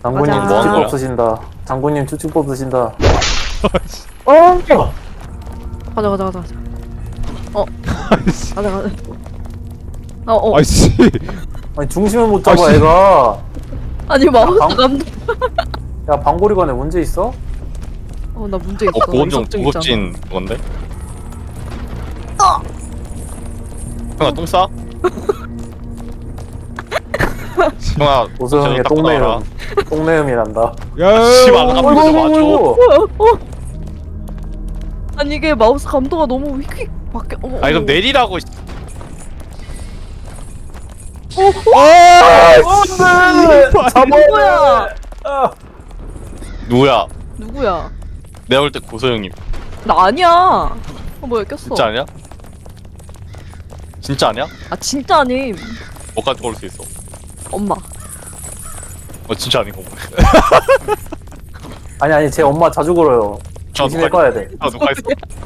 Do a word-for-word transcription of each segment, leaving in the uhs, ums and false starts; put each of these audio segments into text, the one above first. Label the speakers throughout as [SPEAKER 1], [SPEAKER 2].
[SPEAKER 1] 장군님
[SPEAKER 2] 맞아.
[SPEAKER 1] 추측법 쓰신다. 장군님 추측법 쓰신다.
[SPEAKER 2] 어. 가자 가자 가자 가자. 어. 가자 가자. 어 어.
[SPEAKER 3] 아이씨.
[SPEAKER 1] 아니 중심을 못 잡아
[SPEAKER 3] 아이씨.
[SPEAKER 1] 애가.
[SPEAKER 2] 아니 마우스
[SPEAKER 1] 방-
[SPEAKER 2] 감도.
[SPEAKER 1] 야 방고리관에 문제 있어?
[SPEAKER 2] 어나 문제 있어.
[SPEAKER 4] 어 보온종
[SPEAKER 2] 이석증
[SPEAKER 4] 고급진 건데? 형아 똥 싸? 형아
[SPEAKER 1] 오소영의
[SPEAKER 4] 닦고 나와라.
[SPEAKER 1] 똥내음. 똥내음이란다.
[SPEAKER 3] 야.
[SPEAKER 4] 씨발 안 가면 좀 와줘.
[SPEAKER 2] 있잖아. 어, 어. 아니 이게 마우스 감도가 너무 휙휙 바뀌어. 어,
[SPEAKER 4] 아니 그럼
[SPEAKER 2] 어.
[SPEAKER 4] 내리라고. 씨.
[SPEAKER 2] 누구야?
[SPEAKER 1] 아,
[SPEAKER 4] 누구야?
[SPEAKER 2] 누구야?
[SPEAKER 4] 내가 볼 때 고소영님.
[SPEAKER 2] 나 아니야. 어 뭐야 꼈어.
[SPEAKER 4] 진짜 아니야? 진짜 아니야?
[SPEAKER 2] 아 진짜 아님.
[SPEAKER 4] 뭐까지 걸을 수 있어?
[SPEAKER 2] 엄마.
[SPEAKER 4] 어 진짜 아닌 거 보네.
[SPEAKER 1] 아니 아니 제 엄마 자주 걸어요.
[SPEAKER 4] 저
[SPEAKER 1] 조심해
[SPEAKER 4] 누가
[SPEAKER 1] 꺼야 돼.
[SPEAKER 4] 아 누가 했어?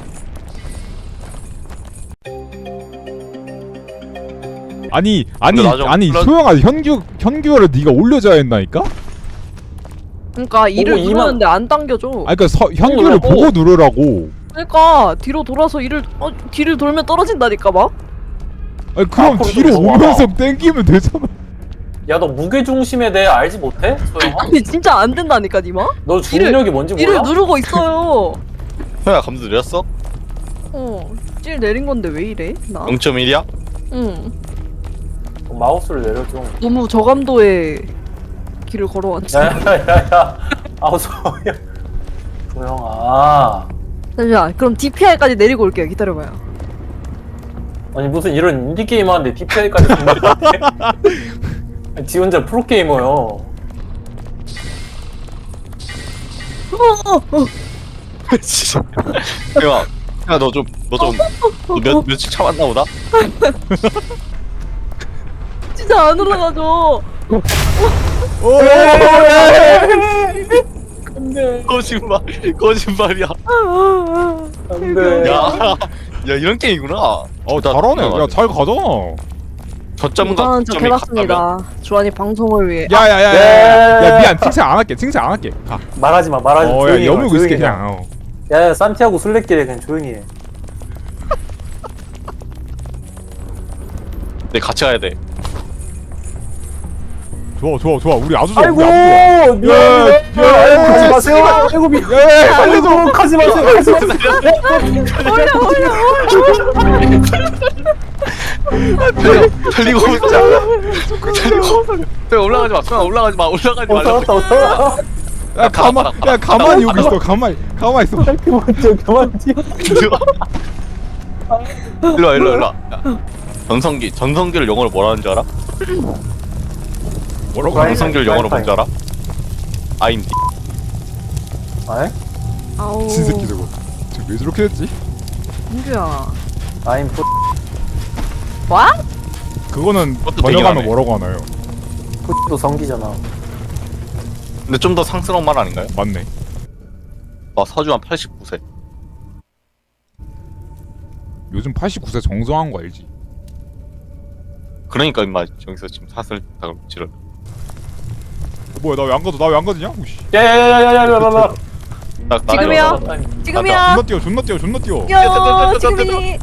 [SPEAKER 3] 아니 아니
[SPEAKER 4] 근데 나좀
[SPEAKER 3] 아니
[SPEAKER 4] 불러-
[SPEAKER 3] 소영아 현규 현규를 네가 올려줘야 했나니까?
[SPEAKER 2] 그러니까 이를
[SPEAKER 1] 보고 이만-
[SPEAKER 2] 누르는데 안 당겨줘.
[SPEAKER 3] 아니 그러니까 서, 현규를
[SPEAKER 1] 어,
[SPEAKER 3] 보고 누르라고.
[SPEAKER 2] 그러니까 뒤로 돌아서 이를 어 뒤를 돌면 떨어진다니까 막.
[SPEAKER 3] 아니 그럼
[SPEAKER 1] 앞으로
[SPEAKER 3] 뒤로
[SPEAKER 1] 좀
[SPEAKER 3] 오면서 땡기면 되잖아.
[SPEAKER 1] 야 너 무게 중심에 대해 알지 못해? 소영아?
[SPEAKER 2] 아니 진짜 안 된다니까 니마.
[SPEAKER 1] 너 중력이 뭔지
[SPEAKER 2] 이를
[SPEAKER 1] 몰라?
[SPEAKER 2] 누르고 있어요.
[SPEAKER 4] 형아 감도 내렸어?
[SPEAKER 2] 어. 찔 내린 건데 왜 이래? 나.
[SPEAKER 4] 영 점 일이야?
[SPEAKER 2] 응.
[SPEAKER 1] 마우스를 내려줘.
[SPEAKER 2] 너무 저감도의 길을 걸어왔지.
[SPEAKER 1] 야야야야. 아우 소영. 소영아.
[SPEAKER 2] 잠시만. 그럼 디피아이까지 내리고 올게요. 기다려봐요.
[SPEAKER 1] 아니 무슨 이런 인디 게임 하는데 디피아이까지 생각해? 지 혼자 프로 게이머요.
[SPEAKER 2] 어, 어, 어.
[SPEAKER 4] 진짜. 형아 형아 너 좀 너 좀 몇 며칠 참았나 보다?
[SPEAKER 2] 진짜 안 올라가죠.
[SPEAKER 1] 안돼.
[SPEAKER 4] 거짓말 거짓말이야.
[SPEAKER 1] 안돼.
[SPEAKER 4] 야, 야 이런 게임이구나.
[SPEAKER 3] 어 잘하네. 야 잘 가잖아.
[SPEAKER 4] 저점과
[SPEAKER 2] 저는 저
[SPEAKER 4] 고점이 같다면
[SPEAKER 2] 해봤습니다. 주한이 방송을 위해.
[SPEAKER 3] 야야야야.
[SPEAKER 1] 네.
[SPEAKER 3] 야 미안 칭찬 안 할게. 칭찬 안 할게. 가.
[SPEAKER 1] 말하지 마 말하지 마.
[SPEAKER 3] 어야
[SPEAKER 1] 조용히 해,
[SPEAKER 3] 여물고 있을게
[SPEAKER 1] 조용히 해.
[SPEAKER 3] 그냥. 어.
[SPEAKER 1] 야야 산티아고 순례길에 그냥 조용히 해.
[SPEAKER 4] 네 같이 가야 돼.
[SPEAKER 3] 좋아 좋아 좋아. 우리 아주 좋아.
[SPEAKER 1] 아이고
[SPEAKER 3] 우리 아주 좋아.
[SPEAKER 1] 미안해.
[SPEAKER 3] 야, 야,
[SPEAKER 1] 아이고 가지
[SPEAKER 3] 야,
[SPEAKER 1] 마세요. 아이고 미.
[SPEAKER 3] 야, 야,
[SPEAKER 1] 아이고 가지 마세요. 가지 마세요.
[SPEAKER 2] 올려 올려 올려.
[SPEAKER 4] 달리고 오자. 달리고. 형 올라가지 마. 형 올라가지 마. 올라가지
[SPEAKER 1] 어
[SPEAKER 4] 말라고.
[SPEAKER 1] 살았다 어 살았다.
[SPEAKER 3] 야 가만 야 가만히 여기 있어. 가만히 가만히 있어.
[SPEAKER 1] 그만 뛰어 그만 뛰어.
[SPEAKER 4] 일로 와 일로 와 일로 와. 야, 전성기 전성기를 영어로 뭐라 하는 줄 알아?
[SPEAKER 3] 뭐라고?
[SPEAKER 1] 프라이-
[SPEAKER 4] 전성기를 영어로 뭔지 알아? I'm D.
[SPEAKER 1] 아이?
[SPEAKER 2] 아우.
[SPEAKER 3] 진새끼 저거. 지금 왜 저렇게 됐지?
[SPEAKER 2] 민규야.
[SPEAKER 1] I'm 푸
[SPEAKER 2] 뭐?
[SPEAKER 3] 그거는
[SPEAKER 4] 그것도
[SPEAKER 3] 번역하면
[SPEAKER 4] 되게
[SPEAKER 3] 뭐라고 하나요?
[SPEAKER 1] 푸도 성기잖아.
[SPEAKER 4] 근데 좀 더 상스러운 말 아닌가요?
[SPEAKER 3] 맞네.
[SPEAKER 4] 와 서주한 팔십구 세.
[SPEAKER 3] 요즘 팔십구 세 정성한 거 알지?
[SPEAKER 4] 그러니까 임마 여기서 지금 사슬 다 지를.
[SPEAKER 3] 어, 뭐야 나 왜 안 가도 나 왜 안 가지냐? 오씨.
[SPEAKER 1] 야야야야야야야야.
[SPEAKER 4] 나, 나
[SPEAKER 2] 지금이요? 지금이야.
[SPEAKER 3] 존나 뛰어 존나 뛰어 존나 뛰어.
[SPEAKER 2] 야 지금이니.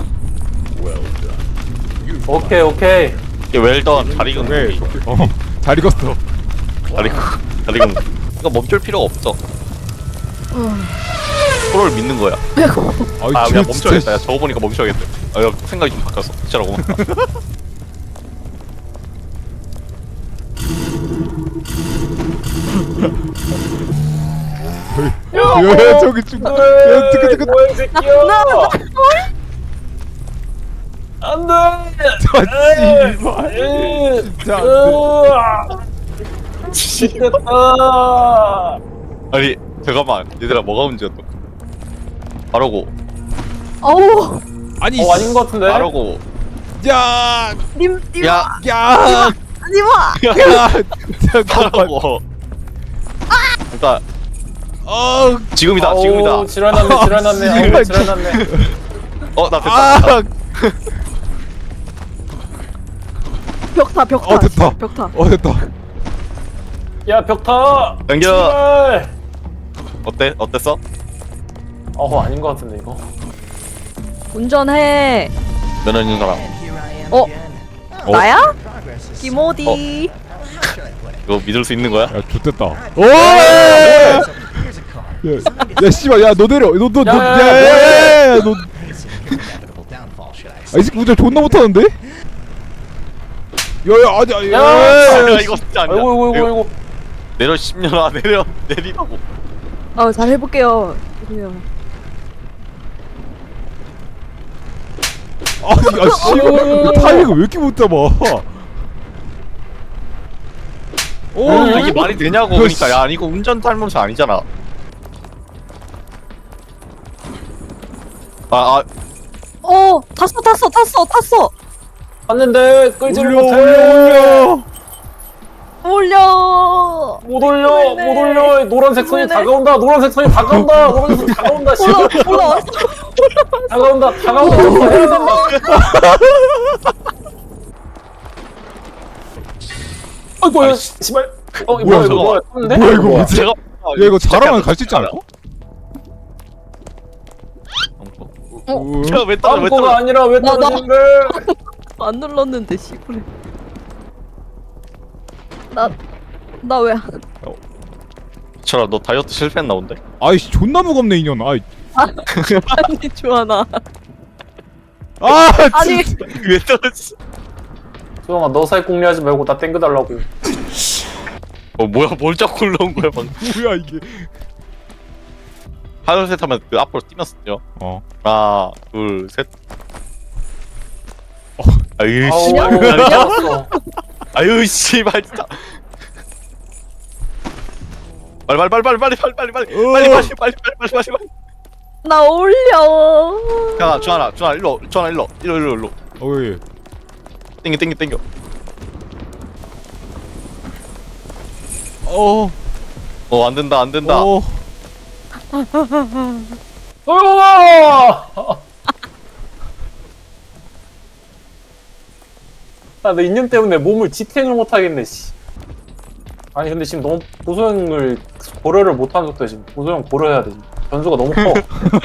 [SPEAKER 1] 오케이 오케이.
[SPEAKER 4] 이게 웰던 잘 익은
[SPEAKER 3] 왜?
[SPEAKER 4] 고기.
[SPEAKER 3] 어잘 익었어.
[SPEAKER 4] 잘 익은 잘 익은 고기. 이거 멈출 필요가 없어. 프로를 믿는 거야.
[SPEAKER 3] 아이
[SPEAKER 4] 아
[SPEAKER 3] 쟤
[SPEAKER 4] 그냥
[SPEAKER 3] 진짜
[SPEAKER 4] 멈춰야겠다. 야 저거 보니까 멈춰야겠다. 아 야, 생각이 좀 바뀌었어. 진짜라고.
[SPEAKER 3] 야 저기 좀. 야 뜨거 뜨거.
[SPEAKER 1] 뭐야 이 새끼야. 안돼.
[SPEAKER 3] 아 씨발. 진짜.
[SPEAKER 1] 미쳤다.
[SPEAKER 4] 아니 잠깐만 얘들아 뭐가 문제였어? 바로고
[SPEAKER 2] 아우.
[SPEAKER 3] 아니
[SPEAKER 1] 어 아닌 것 같은데.
[SPEAKER 4] 바로고.
[SPEAKER 3] 야.
[SPEAKER 2] 님 님.
[SPEAKER 4] 야
[SPEAKER 3] 야.
[SPEAKER 2] 님아.
[SPEAKER 3] 야. 잠깐만.
[SPEAKER 4] 바로고. 그러니까
[SPEAKER 3] 어.
[SPEAKER 4] 지금이다
[SPEAKER 1] 아우,
[SPEAKER 4] 지금이다.
[SPEAKER 1] 지랄났네 지랄났네. 아우 지랄났네.
[SPEAKER 4] 어나 됐다.
[SPEAKER 3] 아.
[SPEAKER 2] 벽타 벽타.
[SPEAKER 3] 어 됐다.
[SPEAKER 2] 벽타.
[SPEAKER 3] 어 됐다.
[SPEAKER 1] 야 벽타.
[SPEAKER 4] 당겨.
[SPEAKER 1] 제발.
[SPEAKER 4] 어때? 어땠어?
[SPEAKER 1] 어 아닌 것 같은데 이거.
[SPEAKER 2] 운전해.
[SPEAKER 4] 면허 있는 사람.
[SPEAKER 2] 어?
[SPEAKER 3] 어?
[SPEAKER 2] 나야? 김어디.
[SPEAKER 4] 이거 믿을 수 있는 거야?
[SPEAKER 3] 야 좋댔다. 오! 야, 야 씨발 야너 내려. 너너너
[SPEAKER 1] 야, 야, 야,
[SPEAKER 3] 야야야야 너. 아이 새끼 운전 존나 못하는데? 야야 아니
[SPEAKER 1] 야,
[SPEAKER 4] 야
[SPEAKER 3] 야.
[SPEAKER 4] 이거 진짜 아니야.
[SPEAKER 1] 아이고 아이고 아이고
[SPEAKER 4] 이거
[SPEAKER 1] 아이고.
[SPEAKER 4] 내려 십년아 내려 내리라고.
[SPEAKER 2] 어, 잘 해볼게요. 그래요.
[SPEAKER 3] 아니 야 씨발 타이밍을 왜 이렇게 못 잡아? 오
[SPEAKER 4] 아, 이게 말이 되냐고.
[SPEAKER 3] 야,
[SPEAKER 4] 그러니까
[SPEAKER 3] 씨.
[SPEAKER 4] 야 이거 운전 탈모사 아니잖아. 아, 아
[SPEAKER 2] 어, 탔어, 탔어, 탔어, 탔어.
[SPEAKER 1] 봤는데 끌지를
[SPEAKER 3] 올려
[SPEAKER 1] 못해.
[SPEAKER 3] 올려 올려.
[SPEAKER 2] 올려.
[SPEAKER 1] 못 올려 못 올려. 노란색 선이
[SPEAKER 2] 올리네.
[SPEAKER 1] 다가온다. 노란색 선이 다가온다. 노란색 선이 다가온다.
[SPEAKER 2] 올라,
[SPEAKER 1] 씨발.
[SPEAKER 2] 올라.
[SPEAKER 1] 다가온다. 다가온다. 저거 해야 된다. 아이고
[SPEAKER 4] 아이,
[SPEAKER 1] 야, 씨발. 어 이거
[SPEAKER 3] 뭐야,
[SPEAKER 1] 뭐야 이거
[SPEAKER 4] 저거.
[SPEAKER 1] 뭐야? 떴는데?
[SPEAKER 3] 뭐야 이거
[SPEAKER 1] 뭐야?
[SPEAKER 3] 뭐지?
[SPEAKER 4] 제가
[SPEAKER 3] 야 이거 잘하면 갈 수 있지 않을까?
[SPEAKER 2] 어?
[SPEAKER 4] 제가 왜 떨어 왜
[SPEAKER 1] 다음 거가
[SPEAKER 4] 떨어?
[SPEAKER 1] 아니라 왜
[SPEAKER 2] 나, 나.
[SPEAKER 1] 떨어지는 걸?
[SPEAKER 2] 안 눌렀는데, 씨발. 나, 나 왜. 안-
[SPEAKER 4] 철아 너 다이어트 실패했나 본데?
[SPEAKER 3] 아이씨 존나 무겁네 이년. 아이
[SPEAKER 2] 아니, 좋아나.
[SPEAKER 3] 아
[SPEAKER 2] 아니.
[SPEAKER 3] 진짜.
[SPEAKER 4] 왜 떨어졌어?
[SPEAKER 1] 소영아 너 살 궁리하지 말고 나 땡겨달라고.
[SPEAKER 4] 어 뭐야 뭘 자꾸 올라온 거야 방금.
[SPEAKER 3] 뭐야 이게?
[SPEAKER 4] 하나 둘셋 하면 그 앞으로 뛰면서요.
[SPEAKER 3] 어.
[SPEAKER 4] 하나 둘 셋.
[SPEAKER 3] 어.
[SPEAKER 4] 아유
[SPEAKER 1] 아우
[SPEAKER 4] 씨발.
[SPEAKER 1] 미쳤어.
[SPEAKER 4] 아유 씨발 진짜. 빨리 빨리 빨리 빨리 빨리 빨리 빨리 빨리
[SPEAKER 3] 어.
[SPEAKER 4] 빨리 빨리 빨리 빨리 빨리 빨리 빨리.
[SPEAKER 2] 나 올려.
[SPEAKER 4] 야 주하나 주하나 일로 주하나 일로 일로 일로 일로.
[SPEAKER 3] 어이.
[SPEAKER 4] 땡겨 땡겨 땡겨.
[SPEAKER 3] 어.
[SPEAKER 4] 어 안 된다 안 된다.
[SPEAKER 3] 어.
[SPEAKER 1] 소영아! 나내 인연 때문에 몸을 지탱을 못 하겠네. 씨. 아니 근데 지금 너무 보소형을 고려를 못한 적도 지금 보소형 고려해야 돼. 지금. 변수가 너무 커.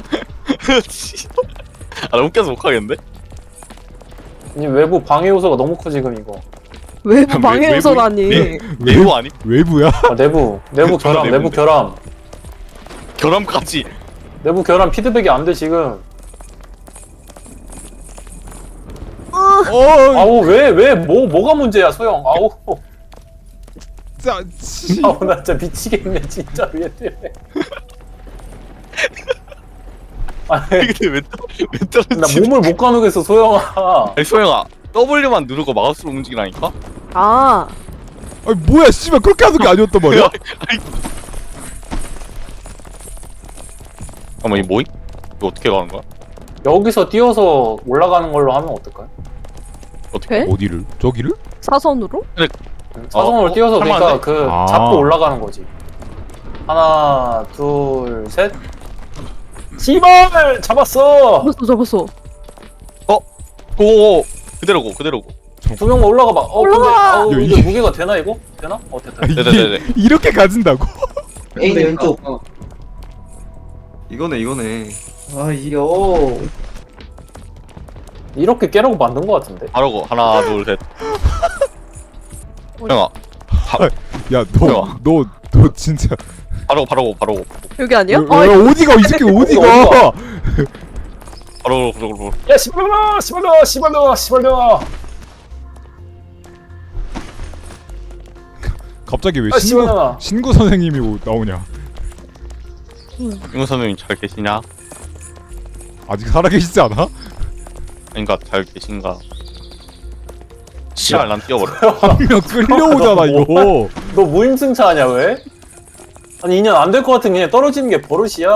[SPEAKER 4] 아나 웃겨서 못 가겠는데?
[SPEAKER 1] 이 외부 방해 요소가 너무 커 지금 이거.
[SPEAKER 2] 외부
[SPEAKER 4] 외-
[SPEAKER 2] 방해
[SPEAKER 4] 외부-
[SPEAKER 2] 요소라니.
[SPEAKER 4] 네. 외부 아니?
[SPEAKER 3] 외부야?
[SPEAKER 1] 아, 내부 내부 결함
[SPEAKER 4] 내부인데.
[SPEAKER 1] 내부 결함
[SPEAKER 4] 결함까지.
[SPEAKER 1] 내부 결함 피드백이 안 돼 지금.
[SPEAKER 3] 어.
[SPEAKER 1] 아우 왜 왜 뭐 뭐가 문제야 소영. 아우
[SPEAKER 3] 자. 치.
[SPEAKER 1] 아우 나 진짜 미치겠네 진짜 얘 때문에. 아니
[SPEAKER 4] 근데 왜, 떨- 왜
[SPEAKER 1] 나
[SPEAKER 4] 떨어지지?
[SPEAKER 1] 몸을 못 가누겠어 소영아.
[SPEAKER 4] 아니 소영아 W만 누르고 마우스로 움직이라니까?
[SPEAKER 2] 아,
[SPEAKER 3] 아니 뭐야 씨발 그렇게 하는 게 아니었단 말이야?
[SPEAKER 4] 아니 잠깐만 이 뭐임? 이거 어떻게 가는 거야?
[SPEAKER 1] 여기서 뛰어서 올라가는 걸로 하면 어떨까요?
[SPEAKER 4] 어떻게?
[SPEAKER 2] 돼?
[SPEAKER 3] 어디를? 저기를?
[SPEAKER 2] 사선으로?
[SPEAKER 1] 사선으로
[SPEAKER 4] 어,
[SPEAKER 1] 뛰어서
[SPEAKER 4] 어,
[SPEAKER 1] 그러니까
[SPEAKER 4] 할만한데?
[SPEAKER 1] 그
[SPEAKER 3] 아.
[SPEAKER 1] 잡고 올라가는 거지. 하나 둘 셋. 씨발 잡았어.
[SPEAKER 2] 잡았어, 잡았어.
[SPEAKER 4] 오 그대로고 그대로고.
[SPEAKER 1] 두 명만 올라가 봐. 어 근데
[SPEAKER 2] 올라가!
[SPEAKER 1] 아우
[SPEAKER 3] 야,
[SPEAKER 1] 이게
[SPEAKER 3] 이게-
[SPEAKER 1] 무게가 되나 이거? 되나? 어 됐다.
[SPEAKER 3] 아, 이게
[SPEAKER 4] 네네네네.
[SPEAKER 3] 이렇게 가진다고?
[SPEAKER 5] A는 왼쪽. 어. 이거네 이거네. 아 이겨.
[SPEAKER 1] 이렇게 깨라고 만든 거 같은데.
[SPEAKER 4] 바로고 하나 둘 셋. 소영아
[SPEAKER 3] 야 너
[SPEAKER 4] 뭐야?
[SPEAKER 3] 너 너 진짜
[SPEAKER 4] 바로고 바로고 바로고
[SPEAKER 2] 여기 아니야?
[SPEAKER 3] 야,
[SPEAKER 2] 아,
[SPEAKER 3] 야, 어디가 이 새끼 어디가?
[SPEAKER 1] 어디가?
[SPEAKER 4] 바로고 바로고.
[SPEAKER 1] 야 씨발놈아 씨발놈아 씨발놈아 씨발놈아.
[SPEAKER 3] 갑자기 왜
[SPEAKER 1] 아,
[SPEAKER 3] 신구
[SPEAKER 1] 씨발놈아.
[SPEAKER 3] 신구 선생님이 오- 나오냐?
[SPEAKER 4] 임우 선생님 잘 계시냐?
[SPEAKER 3] 아직 살아계시지 않아?
[SPEAKER 4] 그러니까 잘 계신가? 씨발 난 뛰어버려.
[SPEAKER 3] 한 명 끌려오잖아 이거.
[SPEAKER 1] 너 무임승차하냐 왜? 아니 이 년 안 될 것 같은 그냥 떨어지는 게 버릇이야.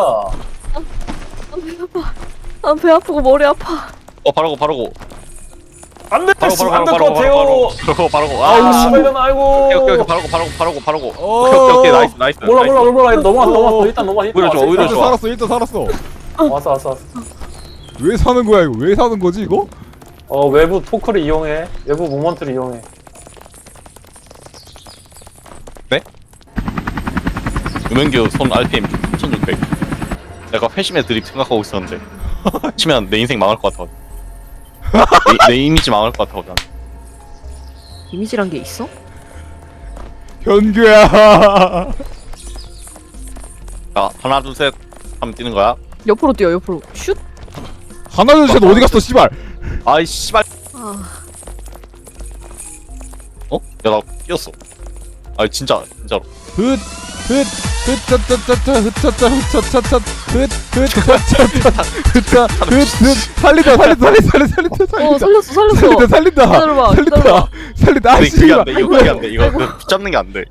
[SPEAKER 2] 아, 배 아프고 머리 아파.
[SPEAKER 4] 어 바로고 바로고.
[SPEAKER 1] 안돼
[SPEAKER 4] 바로 바로 바로
[SPEAKER 1] 안될
[SPEAKER 4] 바로
[SPEAKER 1] 것
[SPEAKER 4] 바로
[SPEAKER 1] 같아요.
[SPEAKER 4] 바로 바로 바로고.
[SPEAKER 1] 아우
[SPEAKER 4] 아
[SPEAKER 1] 씨발놈아 아이고.
[SPEAKER 4] 오케이 오케이 오케이 바로고 바로고 바로고 바로고.
[SPEAKER 3] 어.
[SPEAKER 4] 오케이 오케이 오케이 나이스 나이스.
[SPEAKER 1] 몰라
[SPEAKER 4] 나이스.
[SPEAKER 1] 몰라 몰라 넘어왔어 넘어왔어 일단 넘어왔어 일단
[SPEAKER 4] 오히려 좋아,
[SPEAKER 1] 왔어,
[SPEAKER 4] 오히려
[SPEAKER 1] 일단
[SPEAKER 4] 좋아.
[SPEAKER 3] 살았어 일단 살았어.
[SPEAKER 1] 왔어 왔어 왔어.
[SPEAKER 3] 왜 사는 거야 이거? 왜 사는 거지 이거?
[SPEAKER 1] 어 외부 토크를 이용해. 외부 모먼트를 이용해.
[SPEAKER 4] 음영규 손 알피엠 천육백. 내가 회심의 드립 생각하고 있었는데 치면 내 인생 망할 것 같아. 내, 내 이미지 망할 것 같아. 난.
[SPEAKER 2] 이미지란 게 있어?
[SPEAKER 3] 현규야.
[SPEAKER 4] 자 하나 둘 셋 하면 뛰는 거야.
[SPEAKER 2] 옆으로 뛰어 옆으로 슛.
[SPEAKER 3] 하나 둘 셋 어디 갔어 씨발.
[SPEAKER 4] 아이 씨발.
[SPEAKER 2] 아
[SPEAKER 4] 어? 야 나 뛰었어. 아 진짜 진짜로.
[SPEAKER 3] 흩흩흩차차차차 흩차차 흩차차차 흩흩차차차 흩차 흩흩 살린다 살린다 살린다 살린다
[SPEAKER 2] 어,
[SPEAKER 3] 살린다
[SPEAKER 2] 살렸어 살렸어.
[SPEAKER 3] 살린다 살린다
[SPEAKER 2] 기다려봐,
[SPEAKER 3] 살린다
[SPEAKER 2] 기다려봐.
[SPEAKER 3] 살린다 아
[SPEAKER 4] 근데 그게
[SPEAKER 3] 씨발
[SPEAKER 4] 안 돼. 이거 그게 안 돼. 이거 그 붙잡는 게 안 돼.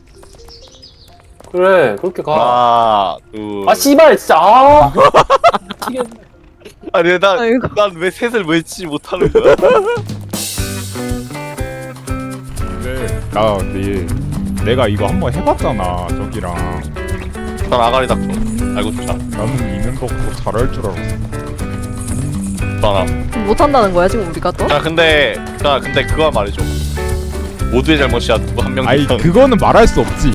[SPEAKER 1] 그래 그렇게 가.
[SPEAKER 4] 하나 둘.
[SPEAKER 1] 아 씨발 진짜 아. 미치겠네.
[SPEAKER 4] 아니
[SPEAKER 2] 아이고.
[SPEAKER 4] 난난왜 셋을 외치지 못하는 거야?
[SPEAKER 3] 나 근데 내가 이거 한번 해봤잖아 저기랑.
[SPEAKER 4] 난 아가리 닥쳐. 알고 싶다.
[SPEAKER 3] 나는 이는 거고 잘할 줄 알았어.
[SPEAKER 4] 봐라.
[SPEAKER 2] 못한다는 거야 지금 우리가 또?
[SPEAKER 4] 자 근데 자 근데 그거 말이죠. 모두의 잘못이야. 누구 한 명.
[SPEAKER 3] 아이 그거는 말할 수 없지.